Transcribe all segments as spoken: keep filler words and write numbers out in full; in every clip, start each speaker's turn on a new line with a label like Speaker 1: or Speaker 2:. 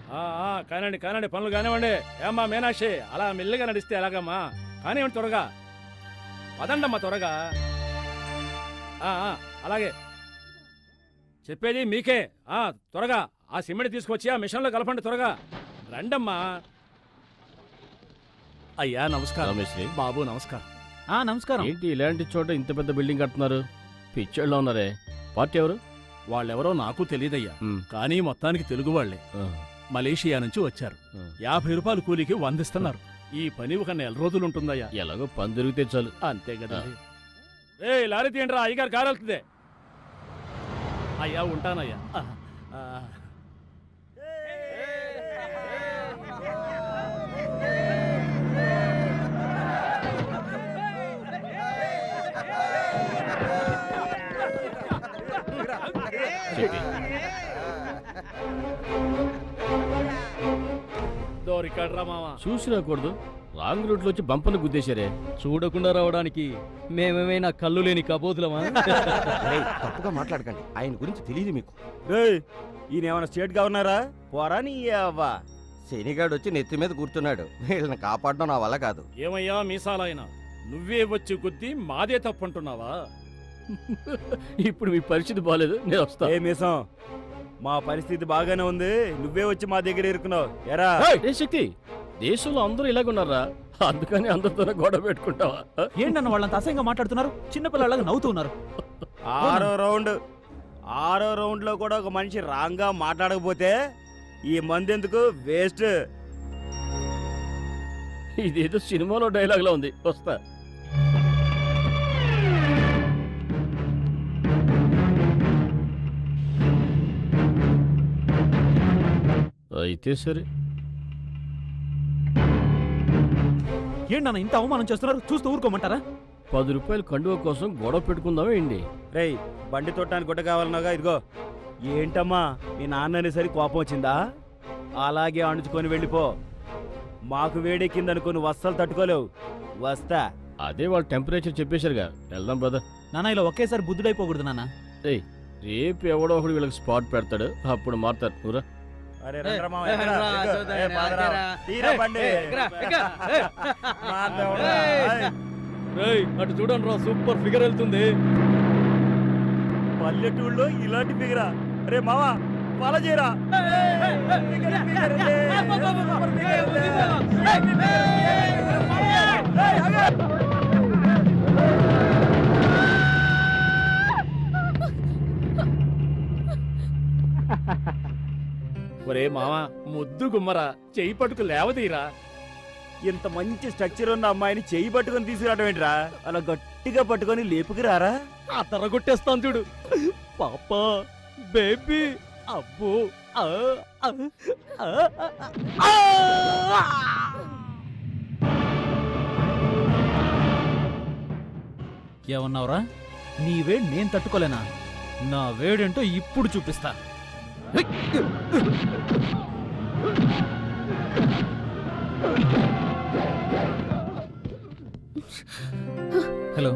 Speaker 1: కానండి కానండి పనులు కానివ్వండి. ఏమ్మా మీనాక్షి, అలా మెల్లిగా నడిస్తే ఎలాగమ్మా? కానివ్వండి త్వరగా, పదండమ్మా త్వరగా. అలాగే చెప్పేది మీకే. ఆ త్వరగా ఆ సిమెంట్ తీసుకొచ్చి ఆ మిషన్లో కలపండి త్వరగా. రండమ్మా. అయ్యా నమస్కారం. బాబు నమస్కారం.
Speaker 2: నమస్కారం.
Speaker 3: ఏంటి ఇలాంటి చోట ఇంత పెద్ద బిల్డింగ్ కడుతున్నారు? పిచ్చోళ్ళలో ఉన్నారే. పార్టీ ఎవరు?
Speaker 1: వాళ్ళెవరో నాకు తెలియదయ్యా, కానీ మొత్తానికి తెలుగు వాళ్లే. మలేషియా నుంచి వచ్చారు. యాభై రూపాయలు కూలికి వందిస్తున్నారు. ఈ పని ఒక నెల రోజులు ఉంటుందయ్యా.
Speaker 3: ఎలాగో పని దొరికితే చాలు.
Speaker 1: అంతే కదా. ఏ లారీ తీయండి రా, అయ్యగారు కారు వెళ్తుంది. అయ్యా ఉంటానయ్యా.
Speaker 3: చూసి రాకూడదు, రాంగ్ రూట్ లో వచ్చి బంపను గుద్దేశారే.
Speaker 2: చూడకుండా రావడానికి మేమేమైనా కళ్ళు లేని కబోతులమా?
Speaker 4: తప్పుగా మాట్లాడకండి, ఆయన గురించి తెలియదు మీకు.
Speaker 5: ఈయనేమన్నా స్టేట్ గవర్నరా? పోరా నీ అవ్వా.
Speaker 4: శనిగాడు వచ్చి నెత్తి మీద కూర్చున్నాడు. వీళ్ళని కాపాడడం నా వల్ల కాదు.
Speaker 1: ఏమయ్యా మీసాలైనా, నువ్వే వచ్చి గుద్ది మాదే తప్పంటున్నావా?
Speaker 3: ఇప్పుడు మీ పరిస్థితి బాగాలేదు, నేను వస్తా.
Speaker 5: ఏ మీసం, మా పరిస్థితి బాగానే ఉంది, నువ్వే వచ్చి మా దగ్గర ఇరుకున్నావు. ఎరా
Speaker 3: ఏ శక్తి, దేశంలో అందరూ ఇలాగున్నారా? అందుకని అందరితోనే గొడవ పెట్టుకుంటావా?
Speaker 2: ఏంటన్న వాళ్ళంత అసహ్యంగా మాట్లాడుతున్నారు? చిన్నపిల్లలాగా నవ్వుతున్నారు.
Speaker 5: ఆరో రౌండ్ ఆరో రౌండ్ లో కూడా ఒక మనిషి రాంగ్ గా మాట్లాడకపోతే ఈ మంది ఎందుకు వేస్ట్.
Speaker 3: ఇదేదో సినిమాలో డైలాగ్ లా ఉంది. వస్తా. అయితే సరే.
Speaker 2: ఏంటన్నా ఇంత అవమానం చేస్తున్నారు? చూస్తూ ఊరుకోమంటారా?
Speaker 3: పది రూపాయలు కండువ కోసం గొడవ పెట్టుకుందామే ఏంటి?
Speaker 5: రేయ్, బండి తొట్టడానికి గుడ్డ కావాలన్నాగా, ఇదిగో. ఏంటమ్మా, మీ నాన్నని సరి కోపం వచ్చిందా? అలాగే అణుచుకొని వెళ్ళిపో. మాకు వేడెక్కిందనుకొని వస్తలు తట్టుకోలేవు. వస్తా.
Speaker 3: అదే వాళ్ళు టెంపరేచర్ చెప్పేశారుగా, వెళ్దాం బ్రదర్.
Speaker 2: నాన్న ఇలా ఒకేసారి బుద్ధుడైపోకూడదు నాన్న.
Speaker 3: ఏయ్, రేపు ఎవడో ఒకడు వీళ్ళకి స్పాట్ పెడతాడు, అప్పుడు మారుతారు. ఊరా
Speaker 1: అటు చూడండి రా, సూపర్ ఫిగర్ వెళ్తుంది.
Speaker 5: పల్లెటూళ్ళలో ఇలాంటి ఫిగరా? రే మావా, ఫాలో చేయరా.
Speaker 1: ఒరే మావా, ముద్దు గుమ్మరా, చెయ్యి పట్టుకు లేవదీరా.
Speaker 5: ఇంత మంచి స్ట్రక్చర్ ఉన్న అమ్మాయిని చెయ్యి పట్టుకొని తీసుకురావడం ఏంట్రా? అలా గట్టిగా పట్టుకొని లేపుకురారా.
Speaker 2: ఆ తర కొట్టేస్తాను చూడు. పాపా, బేబీ, అబ్బో. ఏమన్నావురా? నీ వేడి నేను తట్టుకోలేనా? నా వేడేంటో ఇప్పుడు చూపిస్తా. హలో.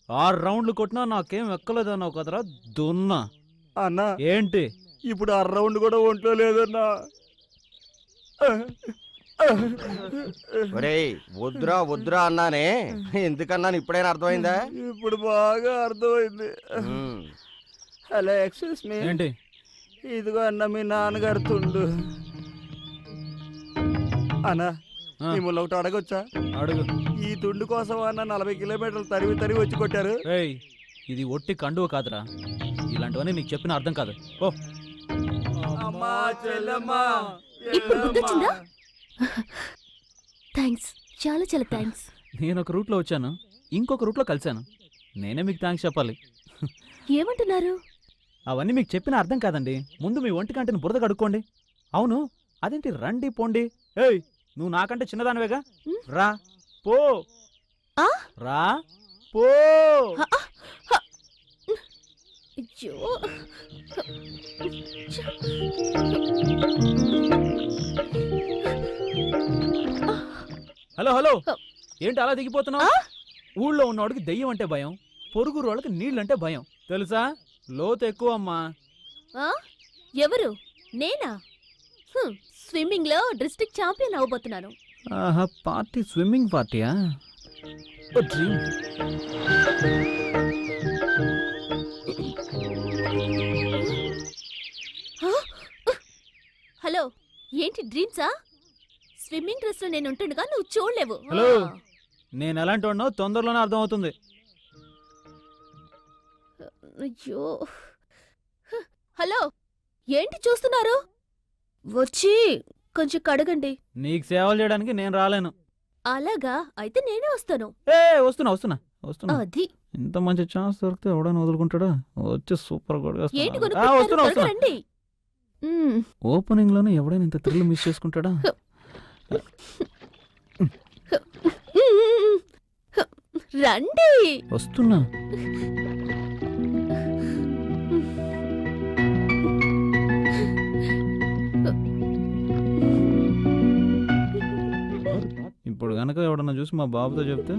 Speaker 2: ఆరు రౌండ్లు కొట్టినా నాకేం ఎక్కలేదన్నావు కదరా దున్నా.
Speaker 5: అన్నా
Speaker 2: ఏంటి
Speaker 5: ఇప్పుడు ఆ రౌండ్ కూడా ఒంట్లో లేదన్నా.
Speaker 4: ఒరేయ్ వద్దురా వద్దురా అన్నానే, ఎందుకన్నాను ఇప్పుడైనా అర్థమైందా?
Speaker 5: ఇప్పుడు బాగా అర్థమైంది.
Speaker 4: ఉమ్.
Speaker 5: Hello excuse me.
Speaker 2: ఏంటి
Speaker 5: ఇదిగో అన్న మీ నాన్నగారు తుండు. అన్నా
Speaker 2: ఆ.
Speaker 5: మిమ్మల్ని ఒకటి అడగొచ్చా?
Speaker 2: అడుగు.
Speaker 5: ఈ తుండు కోసం అన్న నలభై కిలోమీటర్లు తరివి తరివి వచ్చి కొట్టారు.
Speaker 2: ఏయ్ ఇది ఒట్టి కండువ కాదురా, ఇలాంటివన్నీ నీకు చెప్పిన అర్థం కాదు. ఓ
Speaker 5: అమ్మా చెల్లమ్మా
Speaker 6: ఇప్పుడు గుర్తొచ్చిందా? థ్యాంక్స్, చాలా చాలా థ్యాంక్స్.
Speaker 2: నేను ఒక రూట్లో వచ్చాను, ఇంకొక రూట్లో కలిశాను. నేనే మీకు థ్యాంక్స్ చెప్పాలి.
Speaker 6: ఏమంటున్నారు?
Speaker 2: అవన్నీ మీకు చెప్పిన అర్థం కాదండి. ముందు మీ ఒంటి కంటిని బురద కడుక్కోండి. అవును అదేంటి రండి పోండి. ఏయ్ నువ్వు నాకంటే చిన్నదానివేగా,
Speaker 6: ఉమ్.
Speaker 2: రా పో.
Speaker 6: ఆ?
Speaker 2: రా పో.
Speaker 6: అయ్యో.
Speaker 2: హలో హలో
Speaker 6: హ.
Speaker 2: ఏంటి అలా దిగిపోతున్నావు?
Speaker 6: ఆ?
Speaker 2: ఊళ్ళో ఉన్నవాడికి దెయ్యం అంటే భయం, పొరుగు వాళ్ళకి నీళ్ళంటే భయం తెలుసా? లోతు ఎక్కువ అమ్మా.
Speaker 6: ఆ? ఎవరు? నేనా? హ్మ్, స్విమ్మింగ్ లో డిస్ట్రిక్ట్ ఛాంపియన్ అవబోతున్నాను.
Speaker 2: ఆహా పార్టీ స్విమ్మింగ్ పార్టీయా? ఓ డ్రీమ్.
Speaker 6: ఆ? హలో, ఏంటి డ్రీమ్సా? స్విమ్మింగ్ డ్రెస్ లో నేను ఉంటుండగా నువ్వు చూడలేవు.
Speaker 2: హలో.
Speaker 6: ఆ.
Speaker 2: నేను ఎలాంటి వాడినో తొందరలోనే అర్థం అవుతుంది.
Speaker 6: అయ్యో. హ, హలో, ఏంటి చూస్తున్నారు? వచ్చి కొంచెం కడగండి.
Speaker 2: నీకు సేవలు చేయడానికి నేను రాలేను.
Speaker 6: అలాగా? అయితే నేనే వస్తాను.
Speaker 2: ఏ వస్తున్నా వస్తున్నా వస్తున్నా.
Speaker 6: అది
Speaker 2: ఇంత మంచి ఛాన్స్ దొరికితే ఎవడైనా వదులుకుంటాడా? వచ్చి సూపర్
Speaker 6: ఏంటి
Speaker 2: వస్తున్నా వస్తున్నా
Speaker 6: కొనుక్కుంటున్నారు?
Speaker 2: వస్తున్నా.
Speaker 6: రండి. మ్మ్.
Speaker 2: ఓపెనింగ్ లోనే ఎవడైనా ఇంత థ్రిల్ మిస్ చేసుకుంటాడా?
Speaker 6: రండి.
Speaker 2: వస్తున్నా. ఇప్పుడు గనక ఎవడన్నా చూసి మా బాబుతో చెప్తే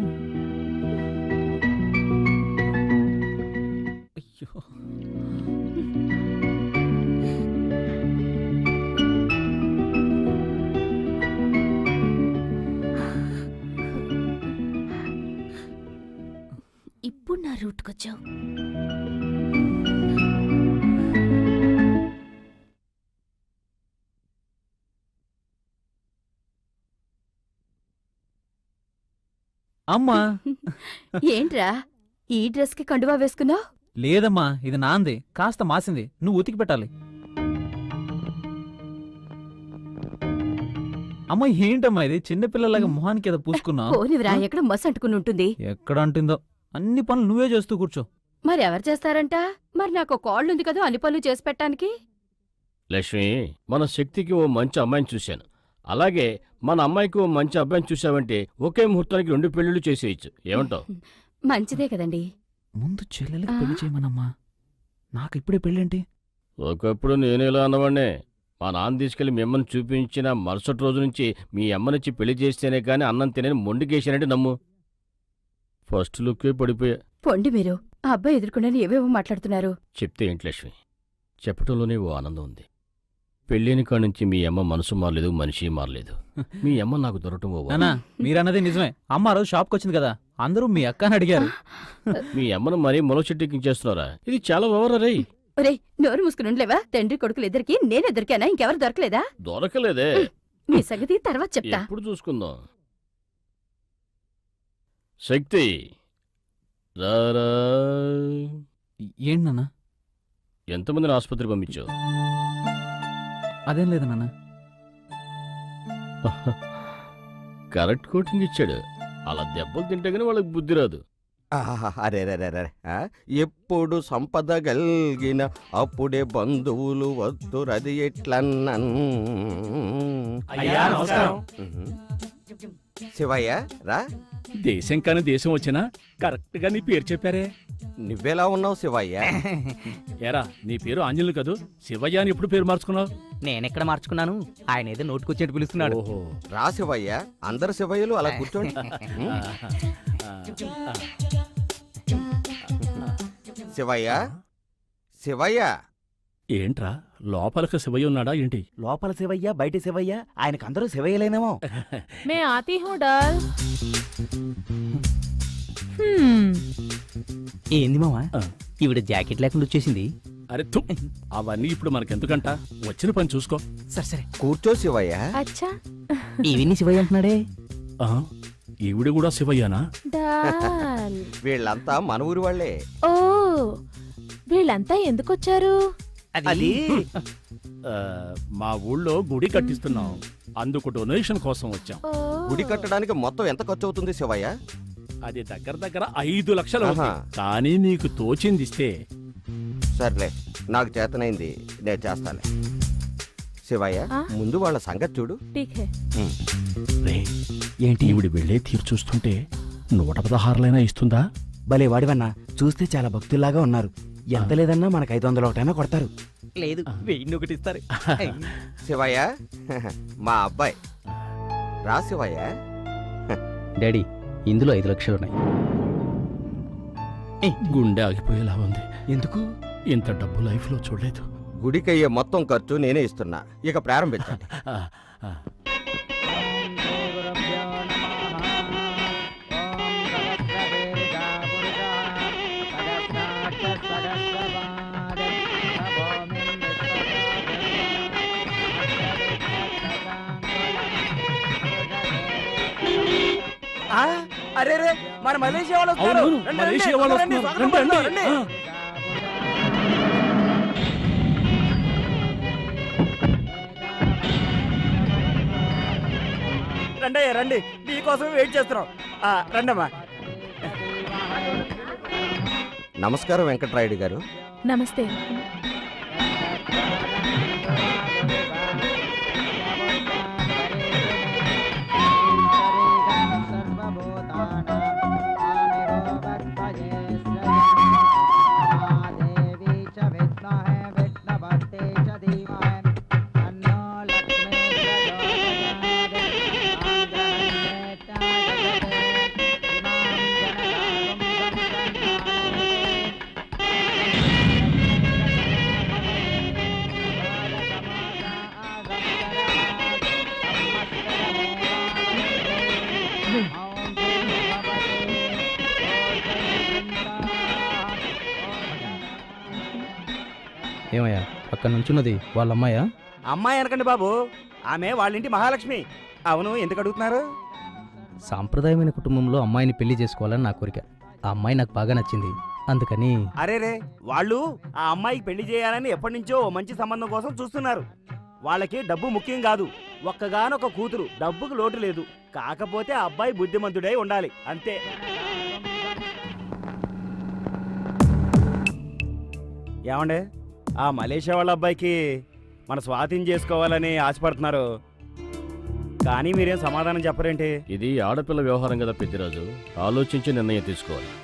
Speaker 2: అయ్యో.
Speaker 6: ఇప్పుడు నా రూట్కొచ్చావు.
Speaker 2: అమ్మా
Speaker 6: ఏంట్రా ఈ డ్రెస్ కి కండువా వేసుకున్నావు?
Speaker 2: లేదమ్మా ఇది నాంది, కాస్త మాసింది, నువ్వు ఉతికి పెట్టాలి. అమ్మ ఏంటమ్మా ఇది చిన్నపిల్లలాగా మొహానికి ఏదో పూసుకున్నావు?
Speaker 6: పోనివిరా, ఎక్కడ మస్ అంటుకుని ఉంటుంది.
Speaker 2: ఎక్కడ అంటుందో, అన్ని పనులు నువ్వే చేస్తూ కూర్చో.
Speaker 6: మరి ఎవరు చేస్తారంట? మరి నాకు కాళ్ళు ఉంది కదా అన్ని పనులు చేసి పెట్టడానికి.
Speaker 3: లక్ష్మి, మన శక్తికి ఓ మంచి అమ్మాయిని చూశాను. అలాగే మన అమ్మాయికి ఓ మంచి అబ్బాయిని చూసావంటే ఒకే ముహూర్తానికి రెండు పెళ్లిళ్ళు చేసేయచ్చు. ఏమంటావు?
Speaker 6: మంచిదే కదండి.
Speaker 2: ముందు చెల్లెలకి పెళ్లి చేయమనమ్మా, నాకు ఇప్పుడే పెళ్ళేంటి?
Speaker 3: ఒకప్పుడు నేను ఇలా అన్నవాడినే. మా నాన్న తీసుకెళ్లి మిమ్మల్ని చూపించిన మరుసటి రోజు నుంచి మీ అమ్మనిచ్చి పెళ్లి చేస్తేనే కానీ అన్నం తినని మొండికేసానంటే నమ్ము. ఫస్ట్ లుక్కే పడిపోయా.
Speaker 6: పొండి మీరు, ఆ అబ్బాయి ఎదుర్కొండని ఏవేవో మాట్లాడుతున్నారు.
Speaker 3: చెప్తే ఏంటి లక్ష్మి, చెప్పటంలోనే ఓ ఆనందం ఉంది. పెళ్ళైన కాడి నుంచి మీ అమ్మ మనసు మారలేదు, మనిషి మారలేదు. మీ అమ్మ నాకు దొరకటం ఓ వరం.
Speaker 2: నానా మీరన్నది నిజమే. అమ్మ ఆ రోజు షాప్కి వచ్చింది కదా, అందరూ మీ అక్క అని అడిగారు.
Speaker 3: మీ అమ్మను మరీ మొల చెట్టెక్కించేస్తున్నారా? ఇది చాలా ఓవరరే.
Speaker 6: ఒరే నోరు మూసుకుని ఉండలేవా? తండ్రి కొడుకులు ఇద్దరికి నేను ఎదురికానా? ఇంకెవరు దొరకలేదా?
Speaker 3: దొరకలేదే.
Speaker 6: మీ సంగతి తర్వాత చెప్తా.
Speaker 3: ఎప్పుడు చూసుకుందాం. శక్తి రారా.
Speaker 2: ఏంటి నాన్న?
Speaker 3: ఎంతమందిని ఆసుపత్రి పంపించావు?
Speaker 2: అదేం లేదు నాన్న.
Speaker 3: కరెక్ట్ కోటింగ్ ఇచ్చాడు. అలా దెబ్బలు తింటే గానీ వాళ్ళకి బుద్ధి రాదు.
Speaker 4: ఆహా, అరే రే రే రే ఆ? ఎప్పుడు సంపద గల్గిన అప్పుడే బంధువులు వద్దురది ఎట్లన్నన్.
Speaker 1: అయ్యా, నమస్కారం.
Speaker 4: ఉహు. శివయ్య రా.
Speaker 1: దేశం కాని దేశం వచ్చినా కరెక్ట్ గా నీ పేరు చెప్పారే.
Speaker 4: నువ్వెలా ఉన్నావు శివయ్య?
Speaker 1: ఏరా నీ పేరు ఆంజనేయులు కదూ, శివయ్య అని ఎప్పుడు పేరు మార్చుకున్నావు?
Speaker 7: నేనెక్కడ మార్చుకున్నాను, ఆయన ఏదో నోటుకొచ్చేట్టు పిలుస్తున్నాడు.
Speaker 1: ఓహో.
Speaker 4: రా శివయ్య, అందరు శివయ్యలు అలా కూర్చోండి.
Speaker 1: ఆహా. ఆ, ఆ.
Speaker 4: శివయ్య శివయ్య
Speaker 1: ఏంట్రా లోపలికి శివయ్య ఉన్నాడా ఏంటి?
Speaker 5: లోపల శివయ్య బయట శివయ్య ఆయనకు అందరూ శివయ్యలేనేమో.
Speaker 8: मैं आती हूँ डल हम्म
Speaker 7: ఏంది మావా
Speaker 1: ఆ.
Speaker 7: ఈవిడ జాకెట్ లేకుండా వచ్చేసింది.
Speaker 1: అరే థు, అవన్నీ ఇప్పుడు మనకెందుకంట, వచ్చిన పని చూసుకో.
Speaker 7: సరే సరే
Speaker 4: కూర్చో శివయ్య.
Speaker 6: అచ్చా
Speaker 7: ఈవిని శివయ్య అంటున్నాడే.
Speaker 1: ఆ, ఈవిడ కూడా శివయ్యనా?
Speaker 6: డాల్
Speaker 4: వీళ్ళంతా మన ఊరి వాళ్ళే.
Speaker 6: ఓ వీళ్ళంతా ఎందుకొచ్చారు?
Speaker 5: అది
Speaker 1: ఆ, మా ఊళ్ళో గుడి కట్టిస్తున్నాం, అందుకు డొనేషన్ కోసం వచ్చాం.
Speaker 6: ఓ
Speaker 4: గుడి కట్టడానికి మొత్తం ఎంత ఖర్చు అవుతుంది శివయ్య?
Speaker 1: అది దగ్గర దగ్గర ఐదు లక్షలు అవుతుంది.
Speaker 4: ఆహా.
Speaker 1: కానీ నీకు తోచింది ఇస్తే.
Speaker 4: సర్లే, నాకు చేతనైంది నేను చేస్తాను. శివయ్య
Speaker 6: ఆ?
Speaker 4: ముందు వాళ్ళ సంగతి చూడు.
Speaker 6: ఠీక్ హై.
Speaker 1: రే, ఏంటి ఈవిడ వెళ్ళే తీరు చూస్తుంటే నూట పదహారులైనా ఇస్తుందా?
Speaker 5: భలే వాడివన్నా, చూస్తే చాలా భక్తుల్లాగా ఉన్నారు. ఎంత లేదన్నా మనకు ఐదు వందల ఒకటైనా కొడతారు.
Speaker 7: లేదు వెయ్యి ఒకటి ఇస్తారు.
Speaker 4: శివయ్య మా అబ్బాయి రా శివయ్య.
Speaker 7: డాడీ ఇందులో ఐదు లక్షలు ఉన్నాయి.
Speaker 1: గుండె ఆగిపోయేలా ఉంది.
Speaker 5: ఎందుకు?
Speaker 1: ఇంత డబ్బు లైఫ్ లో చూడలేదు.
Speaker 4: గుడికయ్యే మొత్తం ఖర్చు నేనే ఇస్తున్నా, ఇక ప్రారంభించండి.
Speaker 1: ఆ, ఆ.
Speaker 5: ఆ, అరే రే మన మలేషియా వాళ్ళు
Speaker 1: అవును,
Speaker 5: వస్తున్నారు.
Speaker 1: అవును,
Speaker 5: రండి,
Speaker 1: మలేషియా
Speaker 5: రండి,
Speaker 1: వాళ్ళు
Speaker 5: రండి,
Speaker 1: వస్తున్నారు.
Speaker 5: స్వాగతం
Speaker 1: రండి,
Speaker 5: పలుకుతాం,
Speaker 1: రండి.
Speaker 5: రండి.
Speaker 1: ఆ.
Speaker 5: రండి అయ్యా, రండి, మీకోసం వెయిట్ చేస్తున్నాం. ఆ, రండమ్మా.
Speaker 4: నమస్కారం వెంకట్రాయుడు గారు.
Speaker 6: నమస్తే.
Speaker 7: ఏమయ్యా పక్కన నుంచున్నది వాళ్ళ అమ్మాయా?
Speaker 5: అమ్మాయి అనకండి బాబు, ఆమె వాళ్ళింటి మహాలక్ష్మి. అవును, ఎందుకు అడుగుతున్నారు?
Speaker 7: సాంప్రదాయమైన కుటుంబంలో అమ్మాయిని పెళ్లి చేసుకోవాలని నా కోరిక. ఆ అమ్మాయి నాకు బాగా నచ్చింది, అందుకని.
Speaker 5: అరే రే, వాళ్ళు ఆ అమ్మాయికి పెళ్లి చేయాలని ఎప్పటి నుంచో ఓ మంచి సంబంధం కోసం చూస్తున్నారు. వాళ్ళకి డబ్బు ముఖ్యం కాదు, ఒక్కగానొక కూతురు, డబ్బుకు లోటు లేదు. కాకపోతే ఆ అబ్బాయి బుద్ధిమంతుడై ఉండాలి, అంతే. ఏమండే, ఆ మలేషియా వాళ్ళ అబ్బాయికి మన స్వాధీనం చేసుకోవాలని ఆశపడుతున్నారు, కానీ మీరేం సమాధానం చెప్పరేంటి?
Speaker 3: ఇది ఆడపిల్ల వ్యవహారం కదా పెద్దిరాజు, ఆలోచించి నిర్ణయం తీసుకోవాలి.